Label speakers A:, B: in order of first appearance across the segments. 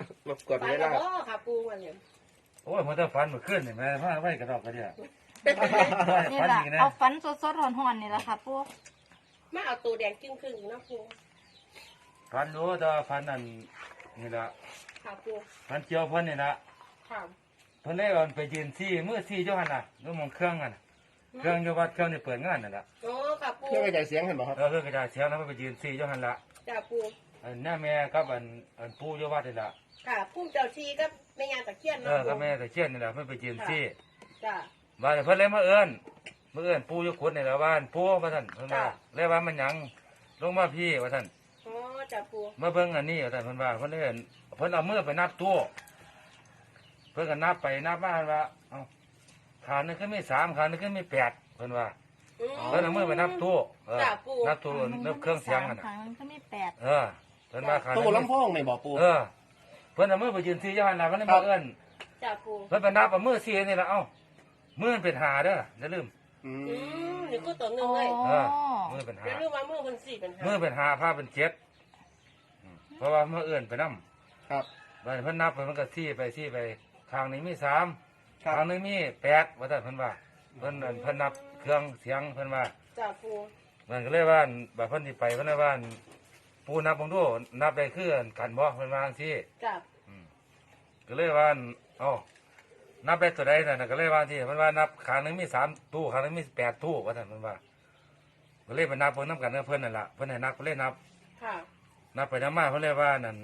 A: มากด
B: ฝัน
A: เว
B: แล้
A: ลาว
B: บ่ค่ะปูวันนี้
C: โอ้ยมันจะฟันมันขึ้นเห็นไหมผ้าไว้กระดอกกระเดีย
D: นี่
C: ฟัน
D: แหละ
C: อีกนะ
D: เอาฟันสดๆห่อนๆนี่แหละค่ะปู
B: มาเอาตัวแดงครึ่งๆนะปู
C: ฟันรู้แต่ว่าฟันนั่นนี่ละ
B: ค่ะปู
C: ฟันเจียวเพิ่นนี่ละ
B: ค่ะ
C: เพิ่นได้เอาไปยืนซี่มือซี่เจ้าหันน่ะแล้วมองเครื่องกันน่ะเครื่องอยู่วัดเครื่องนี่เปิดงานนั่นละ
B: โอ้ค่ะปู
A: เครื่องกระจายเสียงเห็นบ่ครับ
C: เออกระจายเสียงแล้วมันไปยืนซี่เจ้าหันละ
B: จ้าปู
C: อันนี้แม่กับอันปู่อยู่วัดนี่ละ
B: ค่ะพุ่มเจ้าชีก็ไม่งานตะเคียน
C: เอ
B: เนาะ
C: อ
B: ปู
C: กับแม่ตะเคียนนี่ละเพิ่นไปยืนซี่
B: จ้า
C: บ้านเพิ่นเลยมาเอิ้นปู่อยู่ขุดนี่ละบ้านปู่ว่าซั่นเพิ่นว่าเลยว่ามันหยังลงมาพี่ว่าซั่น
B: อ๋อจ้าปู
C: มาเบิ่งอันนี้ว่าซั่นเพิ่นว่าเพิ่นเลยเพิ่นเอามือไปนับตู้เพิ่นก็นับไปนับมาเพิ่นว่าเอ้าขานึงก็มี3ขานึงก็มี8เพิ่นว่า เพิ่นเอามือไปนับตู้นับตู้นับเครื่องเสียงกัน
D: ครั้งก็ไม่แปด
C: เออเพิ่นว่าขา
A: ตู้ลำโพงในบ่ปู
C: เออเพิ่นเอามือไปยืนซี่ย้อนน่ะเพิ่นเลยมาเอิ้น
B: จ้าปู
C: เพิ่นไปนับเอามือซี่นี่ล่ะเอ้ามือมันเป็นหาเด้ออย่าลืม
B: นี่ก็ตัวหนึ่ง
D: โอ้
B: เลย
C: เออมือเป็นหา
B: เดี๋ยวรู้ว่ามือมันสี่เป็น
C: มือเป็นหาผ้าเป็น7เพราะว่ามือเอิ้นไปนำ
A: ครับ
C: บัดเพิ่นนับไปมันก็ซี่ไปข้างนี้มี3
A: ครั
C: ข้าง
A: บ
C: นึงมี8ว่าซั่นเพิ่นว่าเพิ่นนับเครื่องเสียงเพิ่นว่า
B: จ้าปู
C: มันก็เลยว่าบัดเพิ่นสิไปเพิ่นเลยว่าปูนับบ่ดูนับได้คือกันบ่เพิ่นว่าจังซี่
B: จ้า
C: ก็เลยว่าเอ้านับได้ตัวใดน่ะก็เลยว่าที่เพิ่นว่านับข้างหนึงมี3ตู้ข้างหนึงมี8ตู้ว่าซั่นเพิ่นว่าก็เลยไปนับเพิ่นนํกันกับเพิ่นนั่นล่ะเพิ่นให้นับก็เลยนับ
B: ค่ะ
C: นับไปนับมาเพิ่นเลยว่านั่น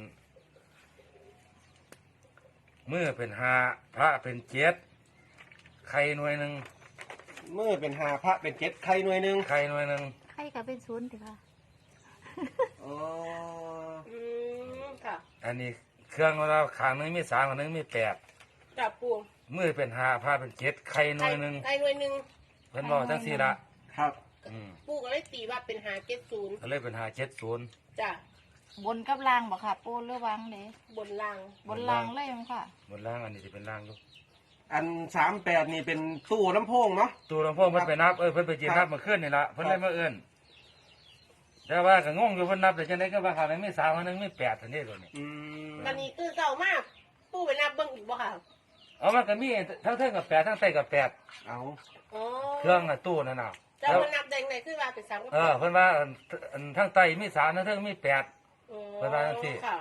C: มือเป็น5พระเป็น7ไข่หน่วยหนึง
A: มือเป็น5พระเป็น7ไข่หน่วยหนึง
C: ไข่หน่วยหนึง
D: ใครก็เป็นศูนย์สิค่ะ
A: อ๋อ
B: ค่ะ
C: อันนี้เครื่องของเราข้างหนึงมี3ข้างหนึงมี8
B: จ้าปู
C: มือเป็น5พระเป็น7ไข่หน่วยหนึง
B: ไอ้หน่วยหนึ่ง
C: เพิ่นบอกจังซี่ล่ะ
A: ครับ
B: ปูก็เลยตีว่าเป็น570
C: ก็เลยเป็น570
B: จ้า
D: บนกับล่างบอกค่ะปูหรือวางเลย
B: บนล่าง
D: บนล่างเลยมั้งค่ะ
C: บนล่างอันนี้สิเป็นล่างอยู่
A: อัน38นี่เป็นตู้ลำโพงเนาะ
C: ตัวหลวงพ่อเพิ่นไปนับเพิ่นไปจีนนับมาขึ้นนี่ละเพิ่นเลยมาเอิ้นแต่ว่าก็งงอยู่เพิ่นนับแต่จังได๋ก็ว่าข้างหนึงมี3ข้างหนึงมี8เท่านี้ตัวนี้
B: วันนี้ตื่นเช้ามากปูไปนับเบิ่งอีกบ่ค่ะ
C: เอามันก็มีทั้งเทิงกับ8ทั้งใต้กับ8
A: เอา
B: อ๋อ
C: เครื่องน่ะตู้นั่นน่ะ
B: จะมานับได้ไงคือว่าเป็น3กับ
C: เพิ่นว่าอันทั้งใต้มี3ทั้งเทิงมี8 เวลาที่
B: ค่ะ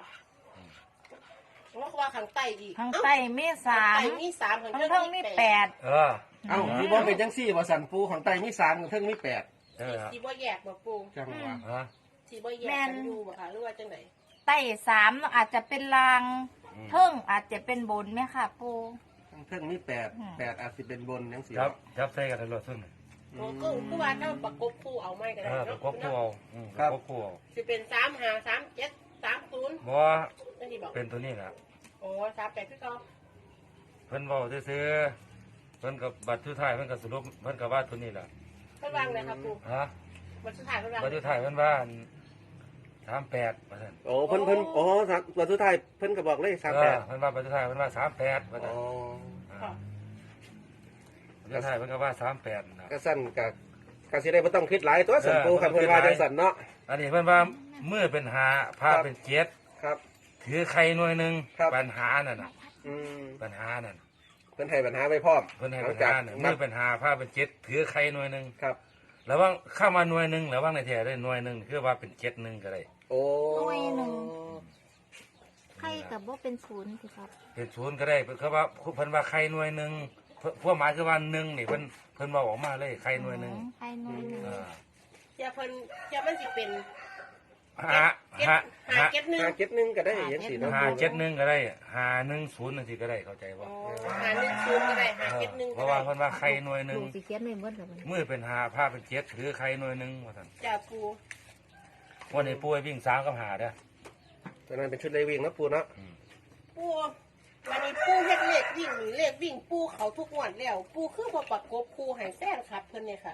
B: ว่าข้างใต้อีก
D: ข้างใต้มีสาม
B: ข้างใต้มี3ข้าง
D: ข้างเทิงมีแปด
C: เออ
A: เอ้ามีบ่เป็นจังซี่บ่สั่นปูของใต้มี3กับเทิงมี8
C: เออ
B: สีบ่แยกบ่ปู
A: จังหวะ
C: ฮะ
B: สีบ่แยกกันอยู่บ่ค่ะหรือว่าจังได
D: ใต้3อาจจะเป็นลางเทิงอาจจะเป็นบนไหมค่ะปู
A: ทั้งเทิงมี8อาจสิเป็นบนจังซี่
C: จับใส่กันตลอดซุ่น
B: อ๋อคือว่าถ้าประกบคู่เอาไม่ก็ได้
C: ประ
B: เนาะ
C: กบคู่เอาประกบคู่เอา
B: สิเป็น3 5 3 7 3 0
C: บ่
B: จังซี่บอก
C: เป็นตัวนี้ล่ะ
B: อ๋อ3 8คือเก่า
C: เพิ่นเว้าซื่อๆเพิ่นกับบัตรสุดท้ายเพิ่นก็สรุปเพิ่นก็ว่าตัวนี้ล่ะ
B: เพิ่นวางเลยครับปู
C: ฮะ
B: วันสุดท้ายเพิ่นวาง
C: บัตรสุดท้ายเพิ่นว่า38ว่าซั่น
A: โอ้เพิ่นอ๋อตัวสุดท้ายเพิ่นก็บอกเลข
C: เพิ่นว่าบัตรสุดท้ายเพิ่นว่า38ว่า
A: 38
C: ซั่น
A: อ๋อ
B: ค่ะ
C: บัตรสุดท้ายเพิ่นก็ว่า38นะ
A: ก็สั่นก็สิได้บ่ต้องคิดหลายตัวสั่นปูคันเพิ่นว่าจังสั่นเนาะ
C: อันนี้เพิ่นว่ามือเป็น5ผ้าเป็น7
A: ครับ
C: ถือไข่หน่วยหนึง
A: ครับ
C: ปัญหานั่นน่ะ
A: อืม
C: ปัญหานั่น
A: เพิ่นให้ปัญหาไว้พร้อม
C: เพิ่นให้
A: หลั
C: ปั
A: ง
C: ญ
A: จาก
C: หาน่ะมือเป็น5ผ้าเป็น7ถือไข่หน่วยหนึง
A: ครับ
C: ระวังเข้ามาหน่วยหนึงระวังในแท้ได้หน่วยหนึงคือว่าเป็น7นึงก็ได้
A: โอ้
D: หน่วยหนึ่ง ใครกับว่าเป็นศูนย์สิครับ
C: เป็น0ก็ได้คือว่าเพิ่นว่าไข่หน่วยหนึงพวกหมายคือว่า1นี่เพิ่นเว้าออกมาเลยไข่หน่วยหนึง
D: ใครหน่วยหนึ่ง
B: อย่าเพิ่นอย่ามันสิเป็น
C: หาหา
B: หาเก็ตหนึ่ง
A: เก็บหนึงก็ได้จังซี่เนาะ
C: หา71ก็ได้510นั่นสิก็ได้เข้าใจบ่
B: อ๋อหา1 0ก็ได้หาเก็ตหนึ่ง
C: เพ
B: ก็
C: ราะ
B: ได้
C: ว่าเพิ่นว่าไข่หน่วยหนึง
D: ลูกสิเขียนไม่หมดเลย
C: มือเป็น5ผ้าเป็น7ถือไข่หน่วยหนึงว่าซั่น
B: จ้าปู
C: วันนี้ปูให้วิ่ง3กับ5เด้อ
A: ตอนนั้นเป็นชุดเลวิ่งเนาะปูเนาะ
B: ปูวันนี้ปูเฮ็ดเลขวิ่งนี่เลขวิ่งปูเขาทุกงวดแล้ว ปูคือบ่ประกบคู่ให้แฟนครับเพิ่นเนี่ยค่ะ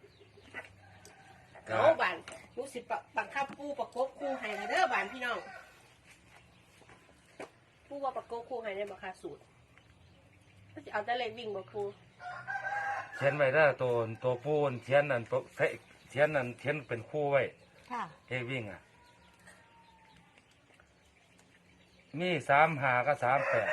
B: เอาบานรู้สิบังคับปูประกบคู่ให้เด้อบานพี่น้องปูว่าประกบคู่ให้ได้บ่ค่ะสูตรก็สิเอาแต่เลขวิ่งบ่ปู
C: เขียนไว้ได้อตัวปูนเขียนนั่นตัวเขียนนั่นเขียนเป็นคู่ไว้
D: ค่ะ
C: เฮ้วิ่งอ่ะมี35กับ38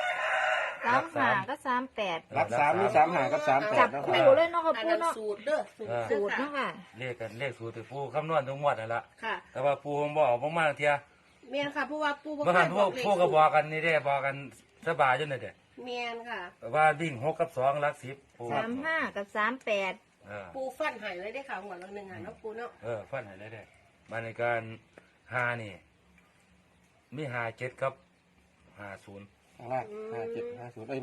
D: 35ก็38
A: รักสามมี35กับ38
D: จับ
A: นะ
D: คู่เลยเนาะค่ะ
B: อัน
D: ปู
B: นั้น
D: เนาะ
B: สูตรเด้อสูตร
D: สูตรเนาะค่ะ
C: เลขสูตรที่ปูคำนวณทุกงวดนั่นล่ะ
B: ค่ะ
C: แต่ว่าปูผมบอกบ่มาเที่ย
B: เมียนค่ะเพราะว่าปูบ่
C: เมื่อ
B: เค
C: หั
B: ย
C: น
B: บ
C: พว
B: อก กเลข
C: พวกก็บอกกันนี่เด้บอกกันสบายอยู่นี่เด้
B: เมียนค่ะ
C: ว่าวิ่ง6กับ2หลัก10ปู
D: 35กับ38
B: ปูฟันใหายเลยได้ค่ะหัวละหนึ่งอ่ะเนาะปูเนาะ
C: ฟันให้ได้ได้มาในการ5นี่มี57กับ50
A: ข้างล่าง57 50เอ้ย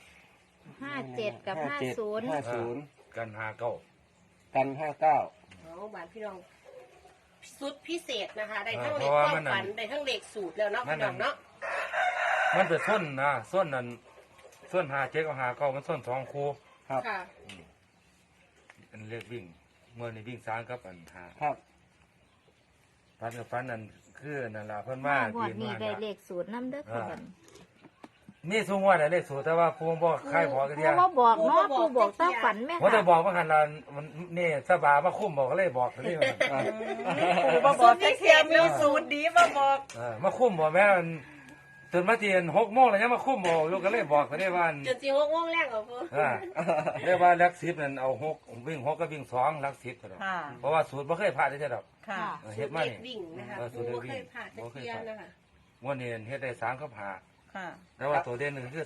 D: 57กับ50
A: 50
C: กัน59
A: กัน59
B: อ๋อบานพี่น้องสุดพิเศษนะคะ ได้ทั้งเลขความฝันได้ทั้งเลขสูตรแล้วเนาะพี่น้องเนาะ
C: มันเป็นส้นนะส้นนั้นส้น57กับ59มันส้น2คู่
A: ครับ
B: ค่ะ
C: อันเรียกวิ่งเมื่อนี่วิ่ง3กับอัน5
A: ครับ
C: ฟันกับฟันนั่นคือนั่นล่ะเพิ่นว่า
D: งวดนี้ได้เลขสูตรนำเด้อค่ะบัด
C: นี่สูงว่าได้เลขสูตรแต่ว่าภูมิบ่ใครบอกกัน
D: ปู
C: เดียว
D: บ่บอกเนาะปูบอกตามฝันแม่
C: ว่าจะ
D: ค่ะ
C: บอกว่าหันละมันนี่สบายมาคุ้มบอกก็เลยบอกเลย
E: ปูมาบอกแต่เทียมมีสูตรดีมาบอก
C: มาคุ้มบอกแม่มันตื่นมาเตียน6 โมงแล้วยังมาคุ้มบอกลูกก็เลยบอกก็ได้ว่า
B: จนจีหกโมงแรกเหรอปู
C: เรียกว่าหลัก10นั่นเอา6วิ่ง6ก็วิ่ง2หลัก10ก็ได้
E: ค่ะ
C: เพราะว่าสูตรบ่เคยพลาดได้ดอก
E: ค่ะ
C: เฮ็ดมา
B: เล
C: นี่
B: ขวิ่งนะคะ
C: สู
B: ปู
C: ตรเลข
B: เค
C: วิ่
B: ย
C: ง
B: ผ่านตะเคียนนะคะ
C: วันนี้เฮ็ดได้3กับ5
E: ค่ะ
C: แต่ว่าตัวเด่นคือ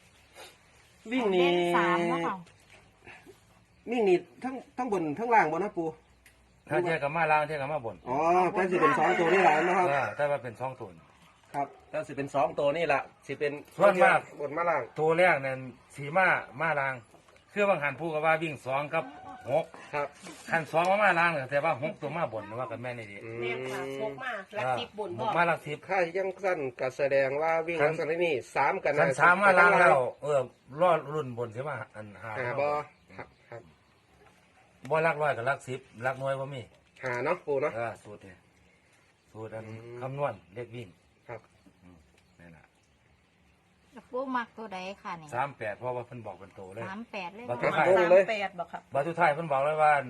C: 3
A: วิ่ง
D: เล
A: นี่
D: ข3เนาะค่ะ
A: วิ่งนี่ทั้งบนทั้งล่างบ่นะปู
C: ถ้าเทียบกับมาล่างเทียบกับมาบน
A: อ๋อแต่สิเป็น2ตัวนี่แหละนะครับ
C: แต่ว่าเป็น2ตัว
A: ครับแต่สิเป็น2ตัวนี่แหละสิเป็น
C: ส่วนมาก
A: บนมาล่าง
C: ตัวแรกนั่นสีมาลางคือบางหันพูดกับว่าวิ่ง2กับ6
A: ครับ
C: ขัน2มาลางแต่ว่า6ตัวมาบนว่ากันแม่นี่ดี
B: แม่ค่ะพกมาลักสิบบน
C: ห
B: บอก
C: มาลักสิบ
A: ค่ายังสั้นก็แสดงว่าวิ่งลักษณะนี้3กัน
C: ขัน3มาลางแล้วรอดรุ่นบนใช่ไหมอันหา
A: บ่ครับครับ
C: บ่ลักร้อยกับลัก10ลักน้อยบ่มี
A: หาเนาะปูเนาะ
C: สูตรนี่สูตรอัน
A: อืม
C: คำนวณเลขวิ่ง
A: ครับ
C: นี่แหละ
D: แล้วปูมักตัวใดค่ะนี่
C: 38เพราะว่าเพิ่นบอกเป็นโตเลย
D: 38เลย
C: บั
D: เนาะ
C: ตร
E: สามแปดบอกครับ
C: บาทุไทายเพิ่นบอกเลยว่า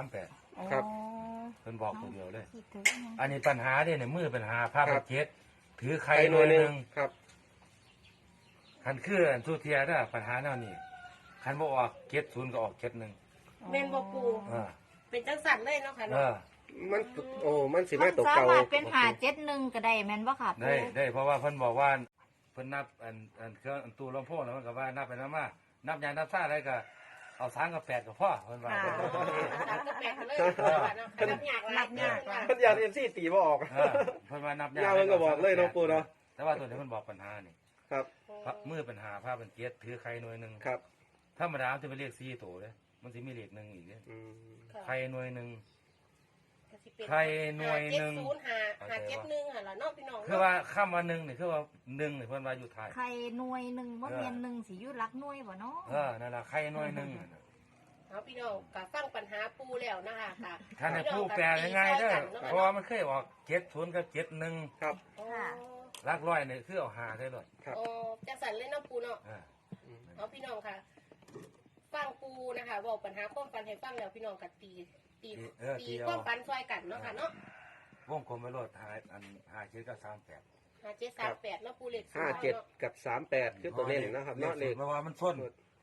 C: 38
A: ครับ
D: อ๋อ
C: เพิ่นบอกตัวเดียวเลย
D: คิดถึงนะ
C: อันนี้ปัญหาเนี่ยมือปัญหาภาพ
A: ครับ
C: เจ็ดถือใครหน่วยหนึ่ง
A: ครับ
C: คันคืออันทุเทียนะปัญหาแนวนี้คันบ่ออก70ก็ออก71
B: แม่นบอกปู
C: อ่า
B: เป็นจังสันเลยเนาะค่ะ
C: เอ
B: เนาะ
C: อ
A: มันโอ้มันสิ
D: มั
A: มาน ตก
D: สา
A: เก่าม
D: ารถเป็น571ก็ได้แม่นบ่ค่ะปู
C: ได้เพราะว่าเพิ่นบอกว่าเพิ่นนับอันเครื่องอันตู้ลำโพงแล้วมันก็ว่านับไปนับมานับยางนับซ่าอะไรก็เอา3กับ8ก็พอเพิ่นว่า
E: ค่ะ
C: เพิ่นบอกอย่างนี้
B: สามกับแปดเลยเนาะนับยากหลายยากหลาย
A: เพิ่นอยาก MC ตีบ่ออก
C: เออเพิ่นว่านับ
A: ยาวเพิ่นก็บอกเลยเนาะปู่เนาะ
C: แต่ว่าตัวนี้เพิ่นบอกปัญหานี่
A: ครับ
C: มือปัญหาภาพเป็นเจ็ดถือใครหน่วยหนึง
A: ครับ
C: ธรรมดามันจะเป็นเลข4ตัวเด้มันสิมีเลข1อีกเด้
A: อืม
C: ใครหน่วยหนึง
B: ใครหน่วยหนึ่งหาเจ็ดหนึ่งค่ะแล้วเนาะพี่น้อง
C: คือว่าคำว่า1นี่คือว่า1นี่เพิ่นว่าอยู่ท้าย
D: ใครหน่วยหนึงบ่แม่นหนึ่งสิอยู่หลักหน่วยบ่เนาะ
C: นั่นล่ะใครหน่วยหนึง
B: เอาพี่น้องก็ฟังปัญหาปูแล้วนะคะค่ะ
C: ท่านให้ผู้แปลง่ายๆเด้อเพราะว่ามันเคยออก70กับ71
A: ครับ
C: หลักร้อยนี่คือเอาหาได้เลย
A: ครับ
B: โอ้จังสันเลยเนาะปูเนาะ
C: อ่า
B: เอาพี่น้องค่ะ ฟังปูนะคะบอกปัญหาความฝันให้ฟังแล้วพี่น้องกัตีความฝันช่วยกันเนาะค่ะเนาะ
C: วงกลมไปโลดหาอัน57กับ38
B: หา738เนาะปูเล็ก
A: 57กับ38คือตัวเล่นนะครับเนาะเลข
C: เพราะว่ามันส้น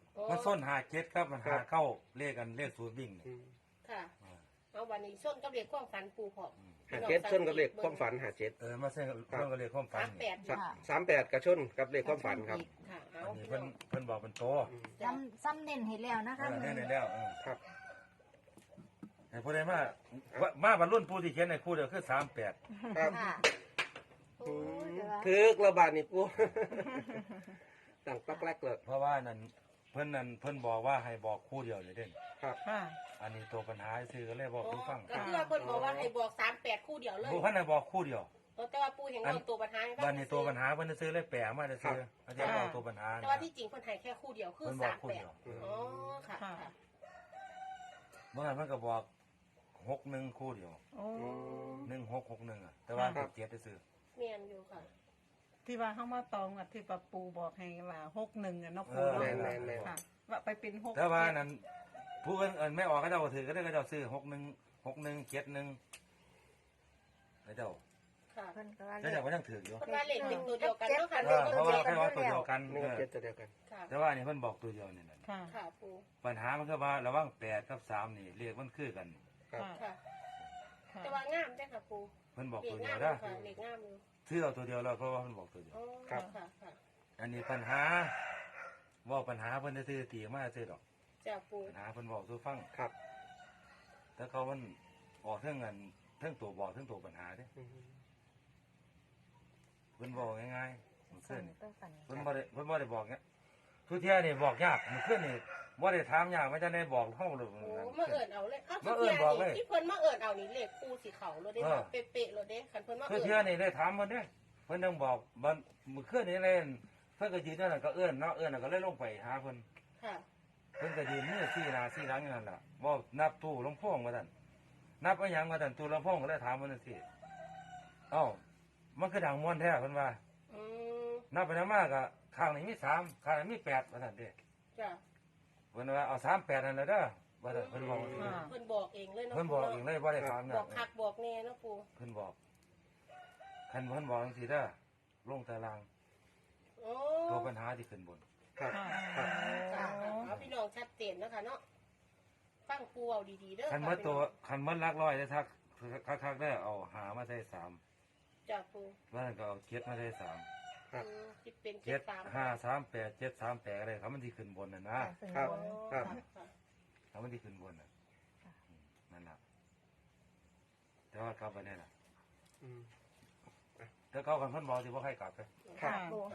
C: 57ครับมันหาเข้าเลขกันเลขสูตรวิ่งนี่
A: อืม
B: ค่ะเอาวันนี้ส้นกับเล็กความฝันปูพอ
A: 57ชนกับเลขความฝัน57
C: มาเส้นเพิ่นก็เลขความฝันนี่
A: 38กับชนกับเลขความฝันครับ
B: ค่ะเอา
C: อันนี้
B: พี่น้
C: เพิ่
B: อน ง
C: บอกเป็นโต
D: ซ้ำเน้นให้แล้วนะคะ
C: นี่แล้ว
A: ครับ
C: ให้ผู้ใดมาบรรลุผู้ที่เขียนในคู่เดียวคือ38
A: ครับ
D: ค่ะโอ้ยแต่ว่า
A: ถึกระบาดนี่ปู ตั้งปักแรกเลย
C: เพราะว่านั่นเพิ่นบอกว่าให้บอกคู่เดียวเลยเด่น
A: ครับ
E: ค่ะ
C: อันนี้ตัวปัญหาซื้อก็เลยบอกผู้ฟัง
B: ก็คือว่าเพิ่นบอกว่าให้บอก38คู่เดียวเลย
C: ผู้พันให้บอกคู่เดียว
B: แต่ว่าปูเห็นเราตัวปัญหา
C: บ้านนี้ตัวปัญหาเพิ่นซื้อเลยแปลมาได้ซื้ออาจารย์บอกตัวปัญหา
B: แต่ว่าที่จริงคนไทยแค่คู่เดียวคือ
C: เพิ่นบอกคู่เดียว
B: 38อ๋อค่ะ
C: เมื่อวานเพิ่นก็บอก61คู่เดียว
E: โอ้
C: 1661อ่ะแต่ว่าเจ็ดได้ซื้อ
B: เมียนอยู่ค่ะ
E: ที่ว่าเข้ามาตองอ่ะที่ปะปูบอกให้ว่า61อ่ะเนาะปู
A: แม่
E: เนาะ
A: นแม่น
E: ค่ะ ว่าไปเป็น6
C: แต่ว่านั้นผู้อื่นไม่ออกก็เจ้าถือก็ได้ก็เจ้าซื้อ61 61 71แล้วเจ้า
B: ค่ะ
D: เพิ่นก็ว่า
C: แต่แต่ว่ายังถืออยู่
B: เพิ่นว่าเลขเป็นตัวเดียวกันเนาะค่ะ
C: เพราะว่าแค่ว่าตัวเดียวกัน
A: หนึ่งกับเจ็ดตัวเดียวกัน
B: ค่ะ
C: แต่ว่านี่เพิ่นบอกตัวเดียวนี่แหละ
E: ค่ะ
B: ค่ะปู
C: ปัญหามันคือว่าระหว่าง8กับ3นี่เลขมันคือกัน
A: ครับ
B: ค่ะ
E: ค่ะ
B: แต่ว่างามจ้ะค่ะปู
C: เพิ่นบอก
B: เล
C: ตั
B: ข
C: วเดี
B: งาย ม
C: ว
B: เล
C: นะ
B: ยค่ะเลขงามเลย
C: ซื้อเอาตัวเดียวแล้วเพราะว่าเพิ่นบอกตัวเดียว
B: อ๋อ
A: ครับ
B: ค่ะค่ะ
C: อันนี้ปัญหาบอกปัญหาเพิ่นจะซื้อตีมาซื้อดอก
B: จ้ะปู
C: ปัญหาเพิ่นบอกสู่ฟัง
A: ครับ
C: แต่เขามันออกเรื่องเงินเรื่องตัวบอกเรื่องตัวปัญหาเด้
A: อืม
C: เพิ่นบอกง่ายๆมันขึ้นนี่
D: ต้องฝัน
C: เพิ่นบ่ได้บอกเงี้ยทุกเที่ยนี่บอกยากมันขึ้นนี่บ่ได้ถามยากไม่จะได้บอกเฮาเลย
B: โอ้มาเอิญเอาเลยอ้าว
C: มาเอิ้นบอกเลย
B: ที่เพิ่นมาเอิญเอานี่เลขปูสีเขาเลยเด้ค่ะเป๊ะๆเลยเด้คันเพิ่นมา
C: ทุก
B: เอิญ
C: เที่ยนี่ได้ถามเพิ่นเด้เพิ่นต้องบอกมันมื้อคืนนี่เล่นเพิ่นก็ยืนนั่นน่ะก็เอิ้นเนาะเอิ้นแล้วก็เลยลงไปหาเพิ่น
B: ค่ะ
C: เพิ่นก็ยืนมือซี่หน้าซี่หลังอยู่นั่นล่ะบ่นับตู้ลำโพงว่าซั่นนับเอาหยังว่าซั่นตู้ลำโพงก็เลยถามเพิ่นจังซี่เอ้ามันคือดังม่วนแท้เพิ่นว่า
B: อืม
C: นับไปนับมาก็ข้างนี้มี3ข้างนี้มี8ว่าซั่นเด้
B: จ้ะ
C: เพิ่นว่าเอา38นั่นแหละเด้อว่าซั่นเพิ่นบอกจังซี่
B: เพิ่นบอกเองเลยเนาะ
C: เพิ่นบอกเองเลยบ่ได้ถาม
B: บ
C: นะ
B: อกคักบอกแน่เนาะปู
C: เพิ่นบอกคันเพิ่นบอกจังซี่เด้อลงตาราง
B: โอ้
C: ตัวปัญหาที่ขึ้นบน
A: ครับ
E: ค่ะ
A: ครับ
B: ค่ะเอาพี่น้องชัดเจนนะคะเนาะฟังปูเอาดีๆเด้อ
C: คันเมื่อตัวคันเมื่อลักร้อยได้ทักคักๆได้เอาหามาใส่3
B: จ้ะปู
C: ว่านั้นก็เอาเจ็ดมาใส่3
B: คิดเป็น
C: เจ็ด
B: 7
C: 5 3 8 7 3 8อะไรครับมันที่ขึ้นบนน่ะนะ
A: ครับ ครับ
C: ครับมันที่ขึ้นบนน่ะนั่นล่ะแต่ว่ากลับไปนี่ล่ะ
A: อืม
C: แต่เขาคันเพิ่นบอกสิบ่ให้กลับไป
A: ครับ
D: ปู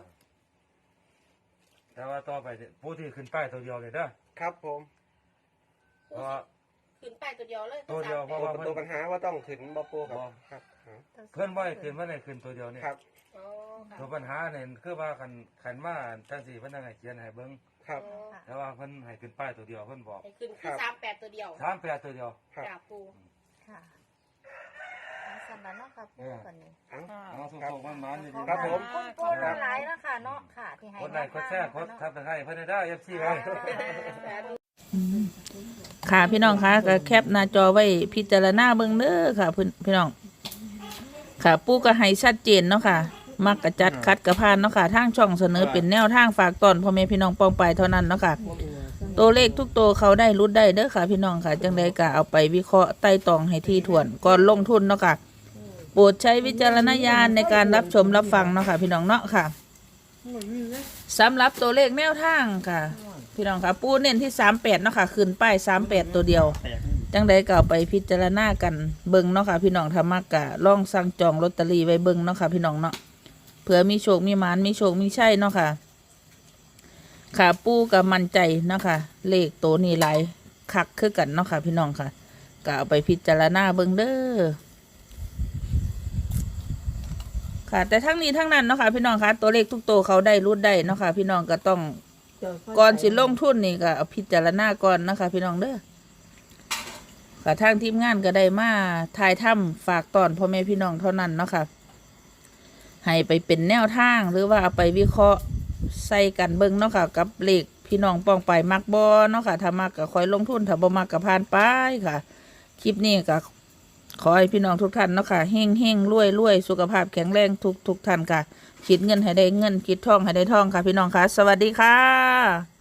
C: แต่ว่าต่อไปเนี่ยผู้ที่ขึ้นป้ายตัวเดียวเลยเด้อ
A: ครับผม
C: เพราะว่า
B: ขึ้นไปตัวเดียวเลย
C: ตัวเดียวเพราะว่า
A: ตัวปัญหาว่าต้องขึ้นบ่ปูครับครับ
C: เพิ่นบ่ให้ขึ้นว่าให้ขึ้นตัวเดียวนี่
A: ครับ
B: อ๋อค่ะ
C: ตัวปัญหาเนี่ยคือว่าคันมาจังซี่เพิ่นต้องให้เขียนให้เบิ่ง
A: ครับ
B: อ๋อ
C: แต่ว่าเพิ่นให้ขึ้นป้ายตัวเดียวเพิ่นบอก
B: ให้ขึ้น
A: ครั
B: คือบ 38ตัวเดียว
C: 38ตัวเดียว
A: ครับ
B: จ้ะปู
D: ค่ะเอาสั่นแล้วเนาะค่ะปูกันนี่
A: เอ้า
E: ค่ะ
C: เอาส่งๆมันๆอยู่ดี
A: ครับผม
D: คุณปูหลายๆเนาะค่ะเนาะค่ะ ที่ให้
C: กดไลค์กดแชร์กดทับตะไคร้เพิ่นได้ FC ไว้
F: ค่ะพี่น้องคะก็แคปหน้าจอไว้พิจารณาเบิ่งเด้อค่ะพี่น้องค่ะปู่ก็ให้ชัดเจนเนาะค่ะมักกะจัดคัดกะพานเนาะค่ะทางช่องเสนอเป็นแนวทางฝากตอนพ่อแม่พี่น้องปองไปเท่านั้นเนาะค่ะตัวเลขทุกตัวเขาได้รุดได้เด้อค่ะพี่น้องค่ะจังใดก็เอาไปวิเคราะห์ไต่ตองให้ที่ถ้วนก่อนลงทุนเนาะค่ะโปรดใช้วิจารณญาณในการรับชมรับฟังเนาะค่ะพี่น้องเนาะค่ะสำหรับตัวเลขแนวทางค่ะ พี่น้องค่ะปูเน้นที่38เนาะค่ะขึ้นป้าย38ตัวเดียวจังใดก็เอาไปพิจารณากันเบิ่งเนาะค่ะพี่น้องถ้ามักกะลองสั่งจองลอตเตอรี่ไว้เบิ่งเนาะค่ะพี่น้องเนาะเผื่อมีโชคมีหมานมีโชคมีชัยเนาะค่ะค่ะปูก็มั่นใจเนาะค่ะเลขตัวนี้หลายคักคือกันเนาะค่ะพี่น้องค่ะก็เอาไปพิจารณาเบิ่งเด้อค่ะแต่ทั้งนี้ทั้งนั้นเนาะค่ะพี่น้องค่ะตัวเลขทุกตัวเขาได้รุดได้เนาะค่ะพี่น้องก็ต้องก่อนสิลงทุนนี่ก็เอาพิจารณาก่อนนะคะพี่น้องเด้อค่ะทางทีมงานก็ได้มาถ่ายถ้ำฝากตอนพ่อแม่พี่น้องเท่านั้นเนาะค่ะให้ไปเป็นแนวทางหรือว่าเอาไปวิเคราะห์ใส่กันเบิ่งเนาะค่ะกับเลขพี่น้องป้องไปมักบ่เนาะค่ะถ้ามักก็คอยลงทุนถ้าบ่มักก็ผ่านไปค่ะคลิปนี้ก็ขอให้พี่น้องทุกท่านเนาะค่ะเฮงเฮงรวยรวยสุขภาพแข็งแรงทุกท่านค่ะคิดเงินให้ได้เงินคิดทองให้ได้ทองค่ะพี่น้องค่ะสวัสดีค่ะ